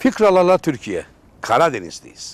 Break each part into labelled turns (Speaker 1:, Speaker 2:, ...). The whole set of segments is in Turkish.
Speaker 1: Fikralarla Türkiye, Karadeniz'deyiz.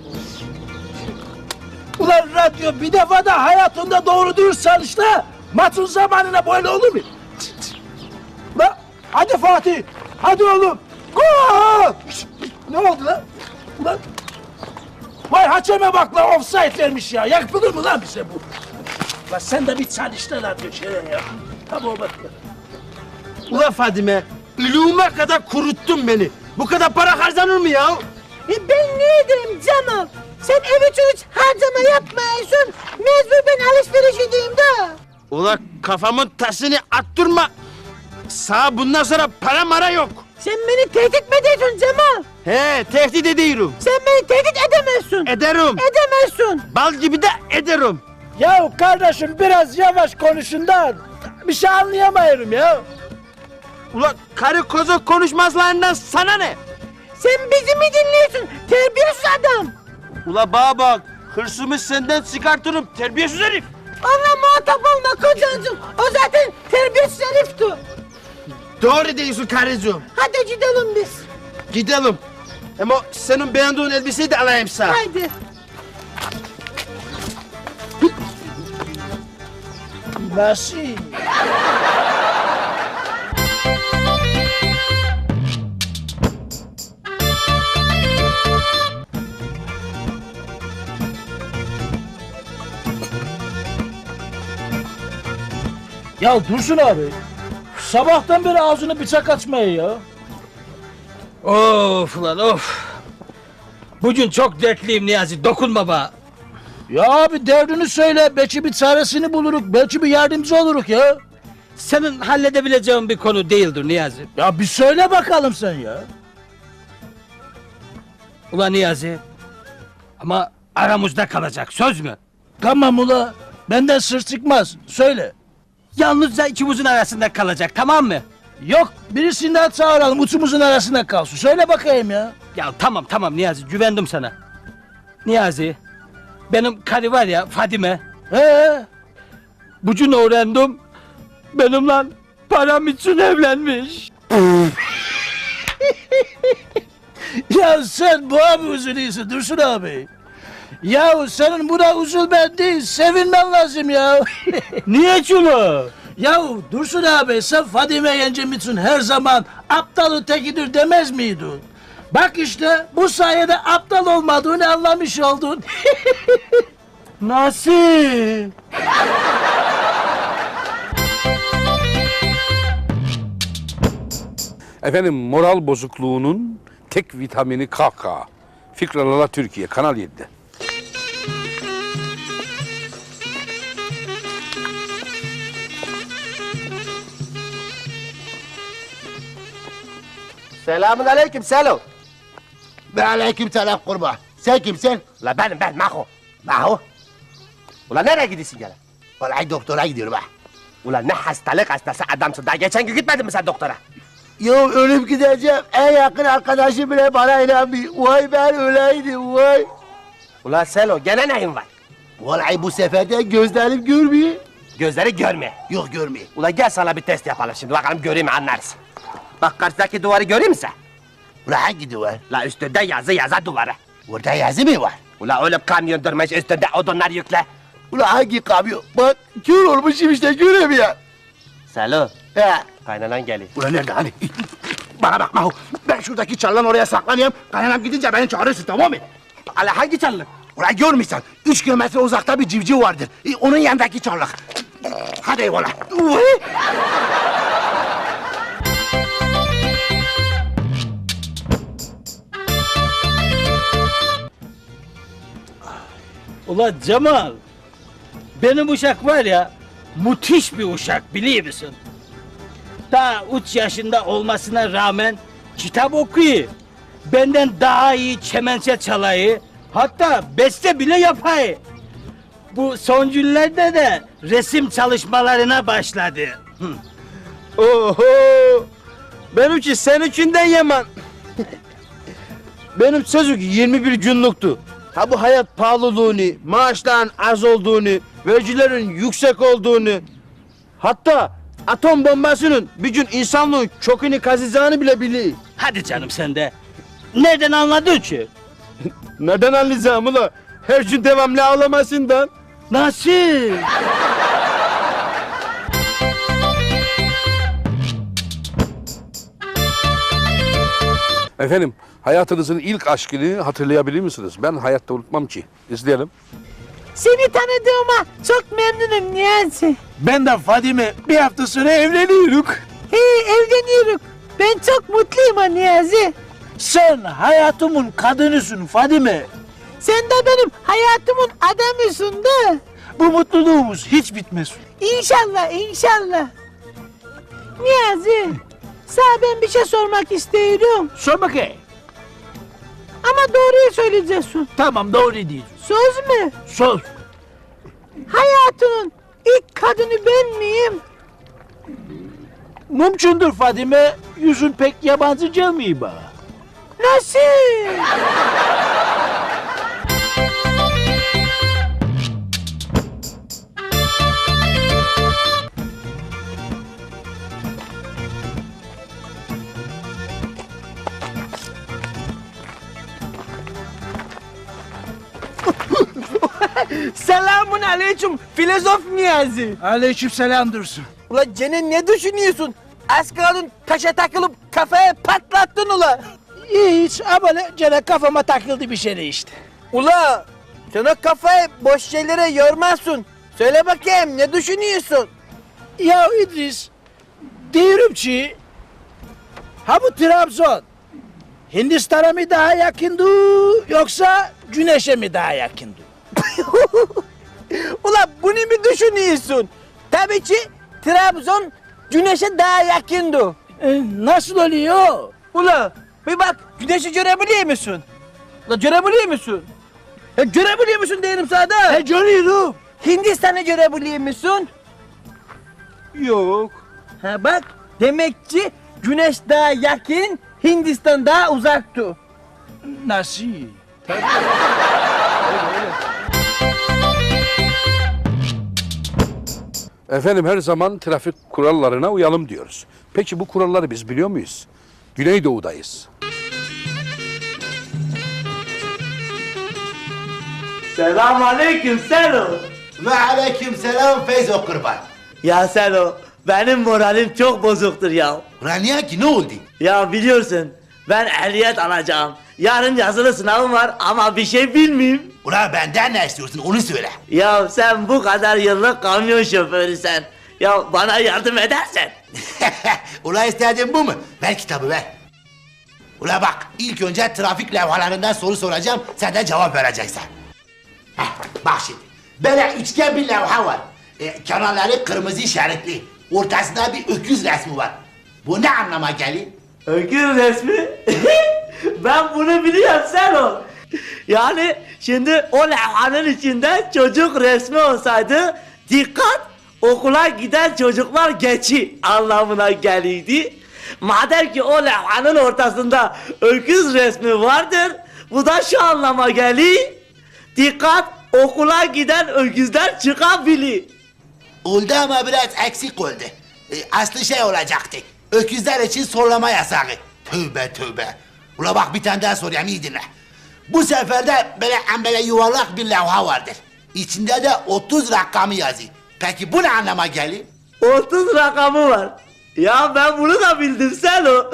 Speaker 2: Ulan radyo bir defa da hayatında doğru dürüst çalış la. Maçın zamanına böyle olur mu? La hadi Fatih, hadi oğlum. Gol! Ne oldu lan? Ulan. Vay haçeme bak la, offside vermiş ya. Yapılır mı lan bize bu? La sen de bir çalış da radyo şöyle ya. Tamam bak.
Speaker 3: Ulan Fadime, ülüğüme kadar kuruttun beni. Bu kadar para harcanır mı ya?
Speaker 4: Ben ne edeyim Cemal? Sen ev için hiç harcama yapmıyorsun. Mecbur ben alışveriş edeyim de.
Speaker 3: Ulan kafamın tasını attırma. Sağ bundan sonra para mara yok.
Speaker 4: Sen beni tehdit mi ediyorsun Cemal?
Speaker 3: He, tehdit ediyorum.
Speaker 4: Sen beni tehdit edemezsin.
Speaker 3: Ederim.
Speaker 4: Edemezsin.
Speaker 3: Bal gibi de ederim.
Speaker 2: Ya kardeşim biraz yavaş konuşun da bir şey anlayamıyorum ya.
Speaker 3: Ulan karı koza konuşmazlarından sana ne?
Speaker 4: Sen bizi mi dinliyorsun? Terbiyesiz adam.
Speaker 3: Ula bana bak, hırsımı senden çıkartırım terbiyesiz herif.
Speaker 4: Onunla muhatap olma kocacığım. O zaten terbiyesiz herifti.
Speaker 3: Doğru diyorsun karıcığım.
Speaker 4: Hadi gidelim biz.
Speaker 3: Gidelim. Ama senin beğendiğin elbiseyi de alayım sana.
Speaker 4: Haydi.
Speaker 2: Nasıl? Ya Dursun abi, sabahtan beri ağzını bıçak açmıyor ya.
Speaker 5: Of lan of. Bugün çok dertliyim Niyazi, dokunma bana.
Speaker 2: Ya abi derdini söyle, belki bir çaresini buluruk, belki bir yardımcı oluruk ya.
Speaker 5: Senin halledebileceğin bir konu değildir Niyazi.
Speaker 2: Ya bir söyle bakalım sen ya.
Speaker 5: Ulan Niyazi, ama aramızda kalacak, söz mü?
Speaker 2: Tamam ula, benden sır çıkmaz, söyle.
Speaker 5: Yalnızca ikimizin arasında kalacak, tamam mı?
Speaker 2: Yok, birisinden çağıralım, uçumuzun arasında kalsın. Söyle bakayım ya.
Speaker 5: Ya tamam Niyazi, güvendim sana. Niyazi, benim karı var ya Fadime, bugün öğrendim, benimle param için evlenmiş.
Speaker 2: Ya sen bu abi üzülüyorsun Dursun abi. Ya senin buna üzülmen değil, sevinmen lazım ya.
Speaker 5: Niye çulu?
Speaker 2: Ya Dursun abi, sen Fadime yengem için her zaman aptal ötekidir demez miydin? Bak işte bu sayede aptal olmadığını anlamış oldun.
Speaker 5: Nasıl?
Speaker 1: Efendim moral bozukluğunun tek vitamini kahkaha. Fikralarla Türkiye, Kanal 7'de.
Speaker 6: Selamun aleyküm Selo.
Speaker 7: Ve aleyküm selam kurba. Sen kimsin?
Speaker 6: La ben Maho. Maho. Ulan nereye gidiyorsun gene?
Speaker 7: Vallahi doktora gidiyorum ha.
Speaker 6: Ulan ne hastalık hastası adamsın. Daha geçen gün gitmedin mi sen doktora?
Speaker 7: Yo ölüp gideceğim. En yakın arkadaşım bile bana inanmıyor. Vay ben öleydim vay.
Speaker 6: Ulan Selo gene neyin var?
Speaker 7: Vallahi bu sefer de gözlerim görmüyor.
Speaker 6: Gözleri görmüyor.
Speaker 7: Yok görmüyor.
Speaker 6: Ulan gel sana bir test yapalım şimdi. Bakalım göreyim anlarsın. Bak karşıdaki duvarı göreyim mi sen?
Speaker 7: Ulan hangi duvar?
Speaker 6: La üstünde yazı duvarı.
Speaker 7: Orada yazı mı var?
Speaker 6: Ulan öyle kamyon durmuş üstünde odunlar yükle.
Speaker 7: Ulan hangi kamyon? Bak kör olmuşum işte göremiyorum.
Speaker 6: Selo.
Speaker 7: He.
Speaker 6: Kaynanan geliyor.
Speaker 7: Ulan nerede hani? Bana bak Mahu. Ben şuradaki çalılan oraya saklanayım. Kaynanam gidince beni çağırırsın tamam mı?
Speaker 6: Ala hangi çalılık?
Speaker 7: Ulan görmüşsen 3 kilometre uzakta bir civciv vardır. Onun yanındaki çarlık. Hadi eyvallah.
Speaker 5: Ulan Cemal, benim uşak var ya, müthiş bir uşak biliyor musun? Daha 3 yaşında olmasına rağmen kitap okuyor. Benden daha iyi kemençe çalayı, hatta beste bile yapayı. Bu son günlerde de resim çalışmalarına başladı.
Speaker 3: Oho! Benimki seninkinden yaman. Benim çocuk 21 günlüktü. Ha bu hayat pahalılığını, maaşların az olduğunu, vergilerin yüksek olduğunu, hatta atom bombasının bir gün insanlığın kökünü kazacağını bile biliyor.
Speaker 5: Hadi canım sen de. Nereden anladın ki?
Speaker 3: Neden anlayacağım ula? Her gün devamlı ağlamasından.
Speaker 5: Nasıl?
Speaker 1: Efendim, hayatınızın ilk aşkını hatırlayabilir misiniz? Ben hayatta unutmam ki. İzleyelim.
Speaker 4: Seni tanıdığıma çok memnunum Niyazi.
Speaker 2: Ben de Fadime bir hafta sonra evleniyoruz.
Speaker 4: He, evleniyoruz. Ben çok mutluyum ha Niyazi.
Speaker 2: Sen hayatımın kadınısın Fadime.
Speaker 4: Sen de benim hayatımın adamısın da.
Speaker 2: Bu mutluluğumuz hiç bitmez.
Speaker 4: İnşallah, inşallah. Niyazi, sana ben bir şey sormak istiyorum.
Speaker 2: Sor bakayım.
Speaker 4: Ama doğruyu söyleyeceksin.
Speaker 2: Tamam doğru diyorsun.
Speaker 4: Söz mü?
Speaker 2: Sor.
Speaker 4: Hayatının ilk kadını ben miyim?
Speaker 2: Mümkündür Fadime. Yüzün pek yabancı gelmiyor bana.
Speaker 4: Nasıl?
Speaker 6: Selamun aleyküm filozof Niyazi.
Speaker 2: Aleykümselam Dursun.
Speaker 6: Ula gene ne düşünüyorsun? Az kaldın taşa takılıp kafaya patlattın ula.
Speaker 2: Hiç ama gene kafama takıldı bir şey işte.
Speaker 6: Ula sen o kafayı boş şeylere yormazsın. Söyle bakayım ne düşünüyorsun?
Speaker 2: Ya İdris, diyorum ki ha bu Trabzon Hindistan'a mı daha yakındı yoksa Güneş'e mi daha yakındı?
Speaker 6: Ula bunu mu düşünüyorsun? Tabii ki Trabzon güneşe daha yakındı.
Speaker 2: Nasıl oluyor?
Speaker 6: Ula bir bak güneşi görebiliyor musun? Ula görebiliyor musun? Görebiliyor musun diyelim sana da.
Speaker 2: Görüyorum.
Speaker 6: Hindistan'ı görebiliyor musun?
Speaker 2: Yok.
Speaker 6: Ha bak demek ki güneş daha yakın, Hindistan daha uzaktı.
Speaker 2: Nasıl?
Speaker 1: Efendim her zaman trafik kurallarına uyalım diyoruz. Peki bu kuralları biz biliyor muyuz? Güneydoğu'dayız.
Speaker 8: Selamünaleyküm Selo.
Speaker 7: Ve aleykümselam Feyzo kurban.
Speaker 8: Ya Selo, benim moralim çok bozuktur ya.
Speaker 7: Ulan niye ki ne oldu?
Speaker 8: Ya biliyorsun, ben ehliyet alacağım. Yarın yazılı sınavım var ama bir şey bilmeyeyim.
Speaker 7: Ulan benden ne istiyorsun onu söyle.
Speaker 8: Ya sen bu kadar yıllık kamyon şoförüsen. Ya bana yardım edersen.
Speaker 7: Ulan istediğin bu mu? Ver kitabı ver. Ulan bak ilk önce trafik levhalarından soru soracağım sen de cevap vereceksin. Heh, bak şimdi böyle üçgen bir levha var. Kenarları kırmızı işaretli. Ortasında bir öküz resmi var. Bu ne anlama geliyor?
Speaker 8: Öküz resmi. Ben bunu biliyorum Selo. Yani şimdi o levhanın içinde çocuk resmi olsaydı dikkat okula giden çocuklar geçi anlamına geliydi. Madem ki o levhanın ortasında öküz resmi vardır bu da şu anlama geliyor. Dikkat okula giden öküzler çıkabilir.
Speaker 7: Oldu ama biraz eksik oldu. Aslı şey olacaktı. Öküzler için sorlama yasağı. Tövbe tövbe. Ula bak bir tane daha sorayım iyi dinle. Bu sefer de böyle yuvarlak bir levha vardır. İçinde de 30 rakamı yazıyor. Peki bu ne anlama geliyor?
Speaker 8: 30 rakamı var. Ya ben bunu da bildim Selo.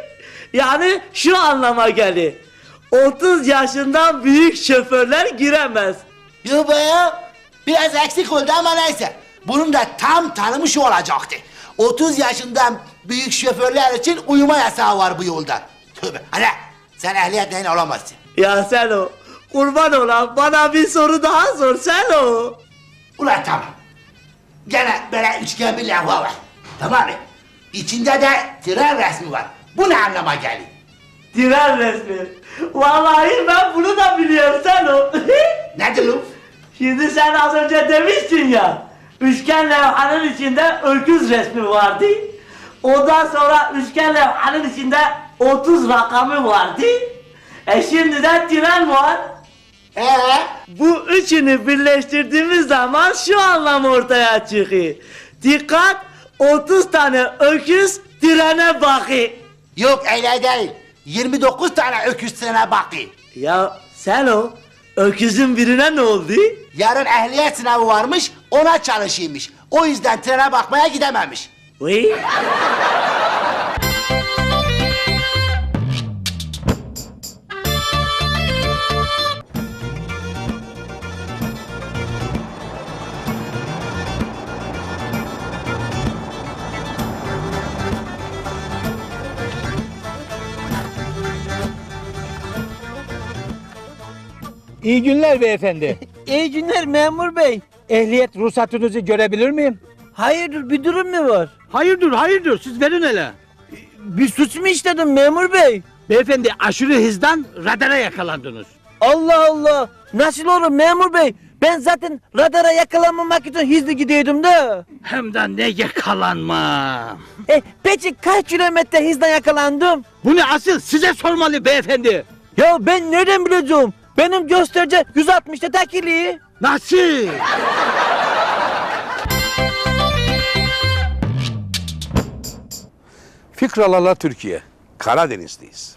Speaker 8: Yani şu anlama geliyor. 30 yaşından büyük şoförler giremez.
Speaker 7: Yo be ya. Biraz eksik oldu ama neyse. Bunun da tam tanımı şu olacaktı. 30 yaşından büyük şoförler için uyuma yasağı var bu yolda. Tövbe. Hala sen ehliyetle olamazsın.
Speaker 8: Ya Selo, kurban olan bana bir soru daha sor Selo.
Speaker 7: Ulan tamam. Gene böyle üçgen bir levha var. Tamam mı? İçinde de tren resmi var. Bu ne anlama geliyor?
Speaker 8: Tren resmi. Vallahi ben bunu da biliyorum Selo.
Speaker 7: Nedir o?
Speaker 8: Şimdi sen az önce demiştin ya, üçgen levhanın içinde öküz resmi vardı. Ondan sonra üçgen levhanın içinde 30 rakamı vardı. Şimdi de tren var. Bu üçünü birleştirdiğimiz zaman şu anlam ortaya çıkıyor. Dikkat, 30 tane öküz trene bakıyor.
Speaker 7: Yok öyle değil. 29 tane öküz trene bakayım.
Speaker 8: Ya Selo, öküzün birine ne oldu?
Speaker 7: Yarın ehliyet sınavı varmış, ona çalışıymış. O yüzden trene bakmaya gidememiş.
Speaker 8: Uy.
Speaker 5: İyi günler beyefendi.
Speaker 6: İyi günler memur bey.
Speaker 5: Ehliyet ruhsatınızı görebilir miyim?
Speaker 6: Hayırdır bir durum mu var?
Speaker 5: Hayırdır siz verin hele.
Speaker 6: Bir suç mu işledim memur bey?
Speaker 5: Beyefendi aşırı hızdan radara yakalandınız.
Speaker 6: Allah Allah. Nasıl olur memur bey? Ben zaten radara yakalanmamak için hızlı gidiyordum da.
Speaker 5: Hem de ne yakalanma.
Speaker 6: Peki kaç kilometre hızla yakalandım?
Speaker 5: Bunu asıl size sormalı beyefendi.
Speaker 6: Ya ben nereden bileceğim? Benim gösterici 160'ta takili.
Speaker 5: Nasıl?
Speaker 1: Fikralarla Türkiye. Karadeniz'deyiz.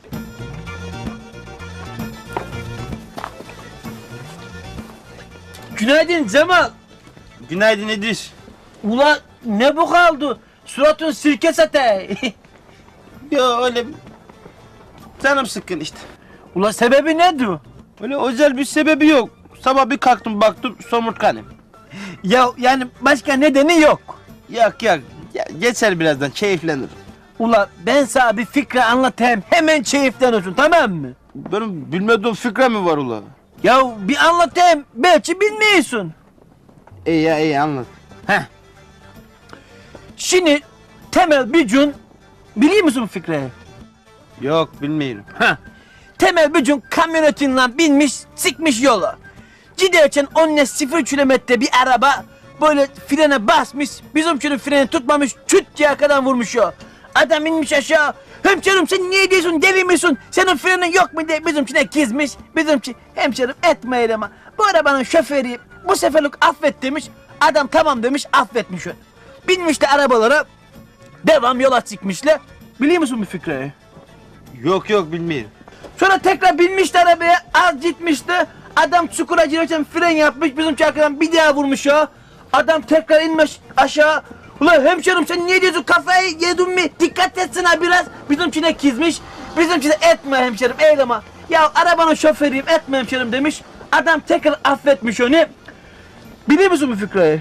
Speaker 6: Günaydın Cemal.
Speaker 3: Günaydın İdris.
Speaker 6: Ula ne bu kaldı? Suratın sirke sate.
Speaker 3: Ya öyle canım sıkkın işte.
Speaker 6: Ula sebebi nedir?
Speaker 3: Öyle özel bir sebebi yok. Sabah bir kalktım baktım somurtkanım.
Speaker 6: Ya yani başka nedeni yok.
Speaker 3: Yok ya geçer birazdan keyiflenirim.
Speaker 6: Ula ben sana bir fikri anlatayım hemen keyifleniyorsun tamam mı?
Speaker 3: Benim bilmediğim fikre mi var ula?
Speaker 6: Ya bir anlatayım belki bilmiyorsun.
Speaker 3: İyi anlat.
Speaker 6: Şimdi Temel bir gün biliyor musun bu fikri?
Speaker 3: Yok bilmiyorum.
Speaker 6: Temel bir gün kamyonetinle binmiş çıkmış yola. Giderken onunla 0 kilometre bir araba böyle frene basmış. Bizimkinin freni tutmamış küt diye arkadan vurmuş ya. Adam inmiş aşağı. Hemşerim sen niye diyorsun deli misin? Senin frenin yok mu diye bizimkine kızmış. Bizimki hemşerim etme eyleme. Bu arabanın şoförü bu seferlik affet demiş. Adam tamam demiş affetmiş onu. Binmişler arabalara devam yola çıkmışlar. Biliyor musun bu fikri?
Speaker 3: Yok bilmiyorum.
Speaker 6: Sonra tekrar binmişti arabaya, az gitmişti. Adam çukura girerken fren yapmış, bizim arkadan bir daha vurmuş ya. Adam tekrar inmiş aşağı. Ulan hemşerim sen niye diyorsun kafayı yedin mi? Dikkat etsene biraz. Bizimkine kızmış. Bizimkine etme hemşerim eyleme. Ya arabanın şoförüyüm etme hemşerim demiş. Adam tekrar affetmiş onu. Biliyor musun bu Fikri'yi?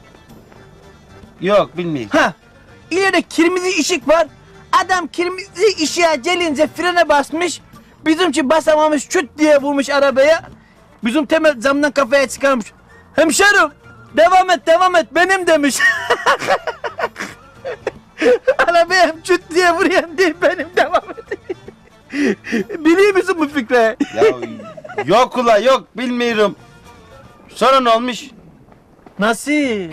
Speaker 3: Yok bilmiyorum.
Speaker 6: İleride kırmızı ışık var. Adam kırmızı ışığa gelince frene basmış. Bizimki basamamış küt diye vurmuş arabaya. Bizim Temel camdan kafaya çıkarmış. Hemşerim devam et benim demiş. Arabaya hem küt diye vuruyan değil benim devam et. Biliyor musun bu fikri?
Speaker 3: Ya yok ula yok bilmiyorum. Sonra ne olmuş?
Speaker 6: Nasıl?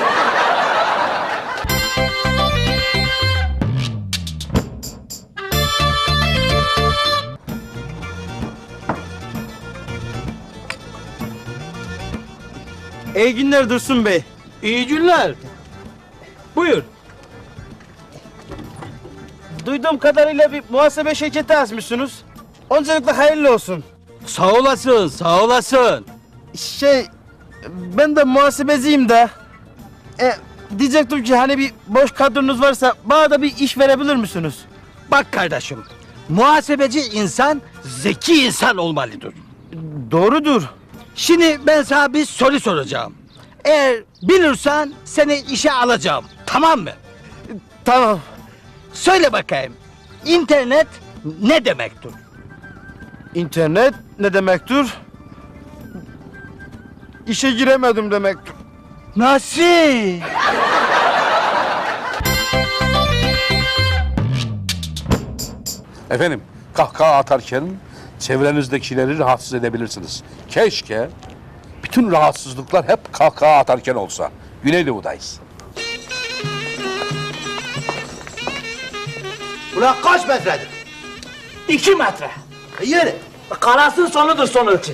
Speaker 3: İyi günler Dursun Bey.
Speaker 5: İyi günler. Buyur.
Speaker 3: Duyduğum kadarıyla bir muhasebe şirketi açmışsınız. Öncelikle hayırlı olsun.
Speaker 5: Sağ olasın.
Speaker 3: Ben de muhasebeciyim de. Diyecektim ki hani bir boş kadronuz varsa bana da bir iş verebilir misiniz?
Speaker 5: Bak kardeşim, muhasebeci insan zeki insan olmalıdır.
Speaker 3: Doğrudur.
Speaker 5: Şimdi ben sana bir soru soracağım. Eğer bilirsen seni işe alacağım. Tamam mı?
Speaker 3: Tamam.
Speaker 5: Söyle bakayım. İnternet ne demektir?
Speaker 3: İnternet ne demektir? İşe giremedim demektir.
Speaker 6: Nasıl?
Speaker 1: Efendim, kahkaha atarken çevrenizdekileri rahatsız edebilirsiniz. Keşke bütün rahatsızlıklar hep kahkaha atarken olsa. Güneydoğu'dayız.
Speaker 7: Ulan kaç metredir?
Speaker 6: 2 metre.
Speaker 7: Yürü.
Speaker 6: Karasın sonudur son ölçü.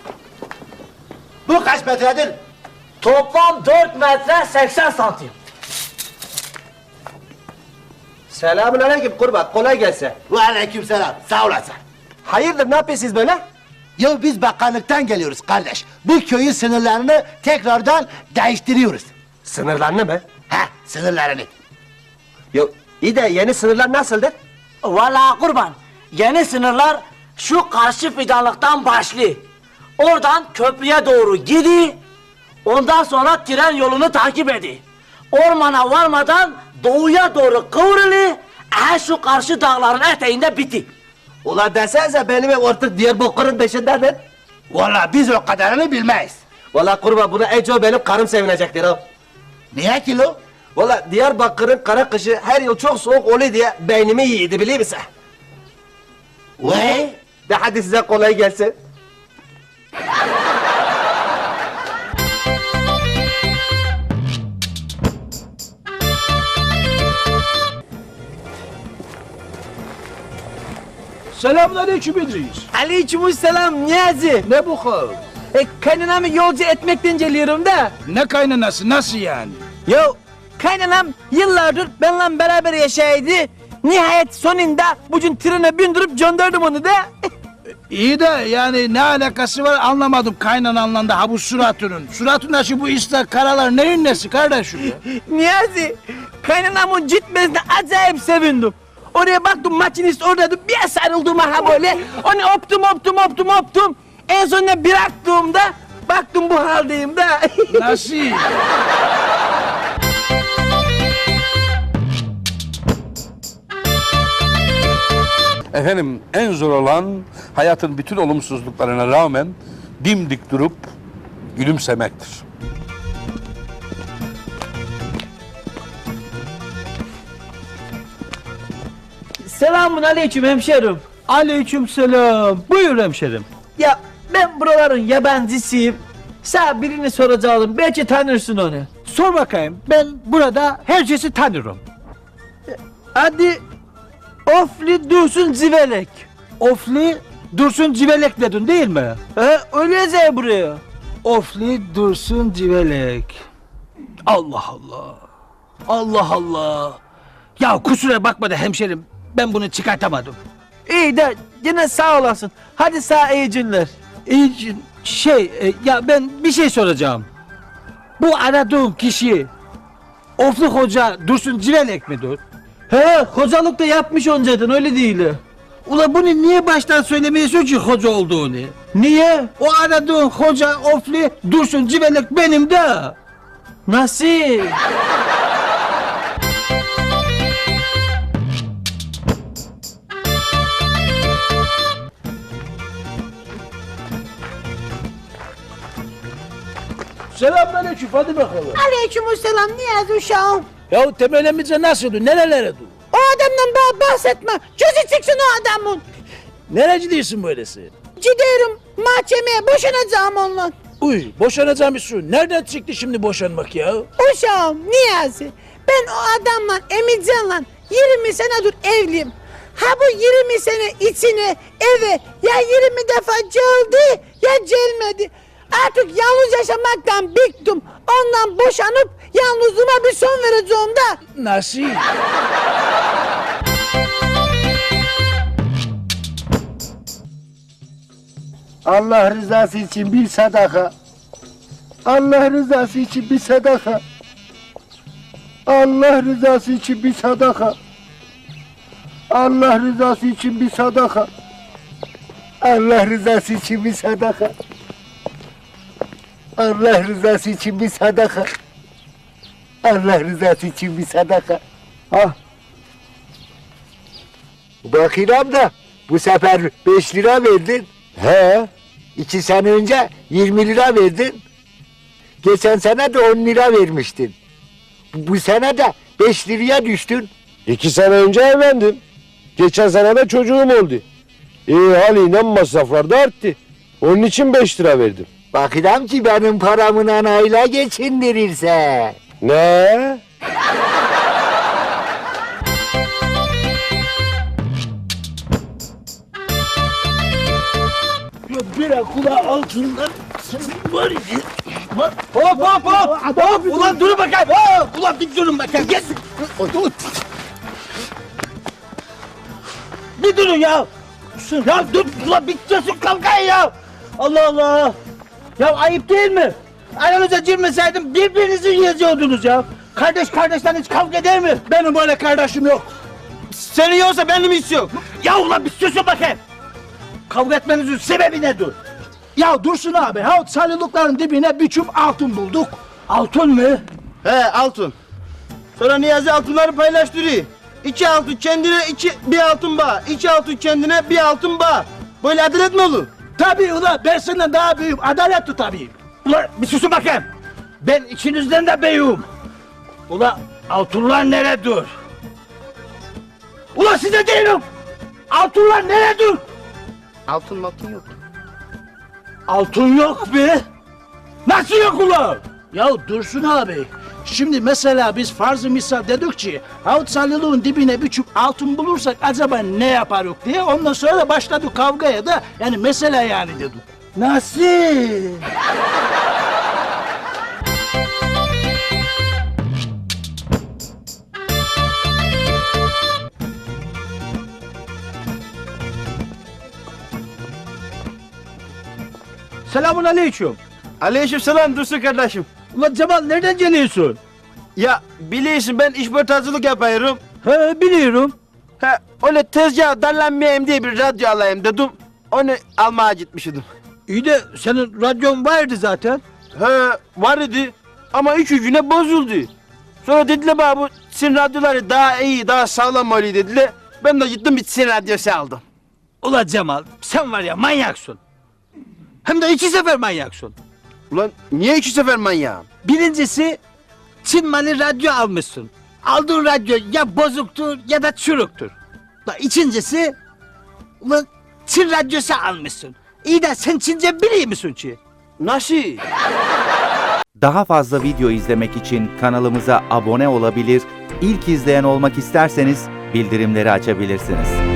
Speaker 7: Bu kaç metredir?
Speaker 6: Toplam 4 metre 80 santim.
Speaker 3: Selamünaleyküm kurban. Kolay gelsin.
Speaker 7: Ve aleykümselam. Sağ olasın.
Speaker 3: Hayırdır ne yapıyorsunuz böyle?
Speaker 7: Ya biz bakanlıktan geliyoruz kardeş. Bu köyün sınırlarını tekrardan değiştiriyoruz.
Speaker 3: Sınırlarını mı?
Speaker 7: Ha, sınırlarını.
Speaker 3: Yo, iyi de yeni sınırlar nasıldır?
Speaker 8: Vallahi kurban. Yeni sınırlar şu karşı fidanlıktan başlıyor. Oradan köprüye doğru gidiyor. Ondan sonra tren yolunu takip ediyor. Ormana varmadan doğuya doğru kıvrılıyor. Şu karşı dağların eteğinde biti.
Speaker 3: Ulan desenize benim ev artık Diyarbakır'ın peşindedir.
Speaker 7: Vallahi biz o kadarını bilmeyiz.
Speaker 3: Valla kurban buna en çok benim karım sevinecektir ha.
Speaker 7: Niye ki lo?
Speaker 3: Valla Diyarbakır'ın kara kışı her yıl çok soğuk oluyor diye beynimi yiydi biliyor musun?
Speaker 7: Ve?
Speaker 3: De hadi size kolay gelsin.
Speaker 2: Selamünaleyküm İdris.
Speaker 6: Aleykümselam Niyazi.
Speaker 2: Ne bu hal?
Speaker 6: Kaynanamı yolcu etmekten geliyorum da.
Speaker 2: Ne kaynanası, nasıl yani?
Speaker 6: Yo, kaynanam yıllardır benimle beraber yaşaydı. Nihayet sonunda bugün trene bindirip gönderdim onu da.
Speaker 2: İyi de yani ne alakası var anlamadım kaynananla da ha bu suratının. Suratında şu bu ıslak karalar neyin nesi kardeşim ya?
Speaker 6: Niyazi, kaynanamın gitmesine acayip sevindim. Oraya baktım makinist oradaydı, bir sarıldım ha böyle. Onu öptüm. En sonunda bıraktığımda baktım bu haldeyim de.
Speaker 2: Nasıl?
Speaker 1: Efendim en zor olan hayatın bütün olumsuzluklarına rağmen dimdik durup gülümsemektir.
Speaker 6: Selamun aleyküm hemşerim.
Speaker 5: Aleykümselam. Buyur hemşerim.
Speaker 6: Ya ben buraların yabancısıyım. Sana birini soracağım, belki tanırsın onu.
Speaker 5: Sor bakayım. Ben burada herkesi tanırım.
Speaker 6: Hadi Ofli Dursun Civelek.
Speaker 5: Ofli Dursun Civelek dedin değil mi?
Speaker 6: Öyle yazıyor buraya.
Speaker 5: Ofli Dursun Civelek. Allah Allah. Allah Allah. Ya kusura bakma da hemşerim. Ben bunu çıkartamadım.
Speaker 6: İyi de yine sağ olasın. Hadi sağ iyi günler.
Speaker 5: Ya ben bir şey soracağım. Bu aradığım kişi Ofli Hoca Dursun Civelek midir?
Speaker 6: He, hocalık da yapmış önceden öyle değil.
Speaker 5: Ula bunu niye baştan söylemiyorsun ki hoca olduğunu?
Speaker 6: Niye?
Speaker 5: O aradığın hoca Ofli Dursun Civelek benim de.
Speaker 6: Nasıl?
Speaker 2: Selamünaleyküm hadi bakalım.
Speaker 4: Aleykümselam Niyazi uşağım.
Speaker 2: Ya temelimize nasıldı, nerelere dur?
Speaker 4: O adamdan bana bahsetme. Gözü çıksın o adamın.
Speaker 2: Nereci değilsin böylesi?
Speaker 4: Gidiyorum mahkemeye boşanacağım onunla.
Speaker 2: Uy, boşanacağım bir su. Nereden çıktı şimdi boşanmak ya?
Speaker 4: Uşağım Niyazi. Ben o adamla Emircan'la 20 senedir evliyim. Ha bu 20 sene içine eve ya 20 defa geldi ya gelmedi. Artık yalnız yaşamaktan bıktım. Ondan boşanıp yalnızlığıma bir son vereceğim da.
Speaker 2: Nasıl?
Speaker 9: Allah rızası için bir sadaka. Allah rızası için bir sadaka. Allah rızası için bir sadaka. Allah rızası için bir sadaka. Allah rızası için bir sadaka. Allah rızası için bir sadaka. Allah rızası için bir sadaka. Ha. Bakıyorum da bu sefer 5 lira verdin. He. 2 sene önce 20 lira verdin. Geçen sene de 10 lira vermiştin. Bu sene de 5 liraya düştün.
Speaker 10: 2 sene önce evlendim. Geçen sene de çocuğum oldu. Haliyle masraflar da arttı. Onun için 5 lira verdim.
Speaker 9: Bakıyorum ki benim paramın anayla geçindirirse.
Speaker 10: Ne?
Speaker 2: Bir kulağı altından var ya.
Speaker 6: Hop! Ulan durun bakayım. Ulan bir durun bakayım. Yes.
Speaker 5: bir durun ya. Ya dur ulan bitmesin kavgayı ya. Allah Allah. Ya ayıp değil mi? Aranıza girmeseydim birbirinizi yiyordunuz ya. Kardeş kardeşten hiç kavga eder mi?
Speaker 2: Benim öyle kardeşim yok.
Speaker 5: Senin yoksa benim hiç yok. Ya ulan bir susun bakayım. Kavga etmenizin sebebi nedir?
Speaker 2: Ya Dursun abi, ha salyalıkların dibine bir çup altın bulduk.
Speaker 5: Altın mı?
Speaker 3: He altın. Sonra Niyazi altınları paylaştırıyor. 2 altın kendine bir altın bağ. 2 altın kendine bir altın bağ. Böyle adalet mi olur?
Speaker 2: Tabii ulan, ben senden daha büyüğüm, adalet tutayım.
Speaker 5: Ulan bir susun bakayım. Ben içinizden de beyim. Ulan altınlar neredir? Ulan size değilim. Altınlar neredir?
Speaker 3: Altın yok.
Speaker 5: Altın yok be. Nasıl yok ulan?
Speaker 2: Ya Dursun abi, şimdi mesela biz farz-ı misal dedik ki Havut Salyalık'ın dibine bir çup altın bulursak acaba ne yaparız diye, ondan sonra da başladık kavgaya da, yani mesela yani dedik.
Speaker 5: Nasıl? Selamun aleyküm.
Speaker 3: Aleykümselam Dursun kardeşim.
Speaker 5: Ulan Cemal nereden geliyorsun?
Speaker 3: Ya biliyorsun ben işportacılık yapıyorum.
Speaker 5: He biliyorum.
Speaker 3: He öyle tezgah darlanmayayım diye bir radyo alayım dedim. Onu almaya gitmiştim.
Speaker 5: İyi de senin radyon vardı zaten.
Speaker 3: He var idi ama 3 güne bozuldu. Sonra dediler bana bu Çin radyoları daha iyi, daha sağlam oluyor dediler. Ben de gittim bir Çin radyosu aldım.
Speaker 5: Ulan Cemal sen var ya manyaksın. Hem de 2 sefer manyaksın.
Speaker 3: Ulan niye 2 sefer manyağım?
Speaker 5: Birincisi Çin malı radyo almışsın. Aldığın radyo ya bozuktur ya da çürüktür. Da ikincisi ulan Çin radyosu almışsın. İyi de sen Çince biliyor musun ki?
Speaker 3: Nasıl?
Speaker 11: Daha fazla video izlemek için kanalımıza abone olabilir, ilk izleyen olmak isterseniz bildirimleri açabilirsiniz.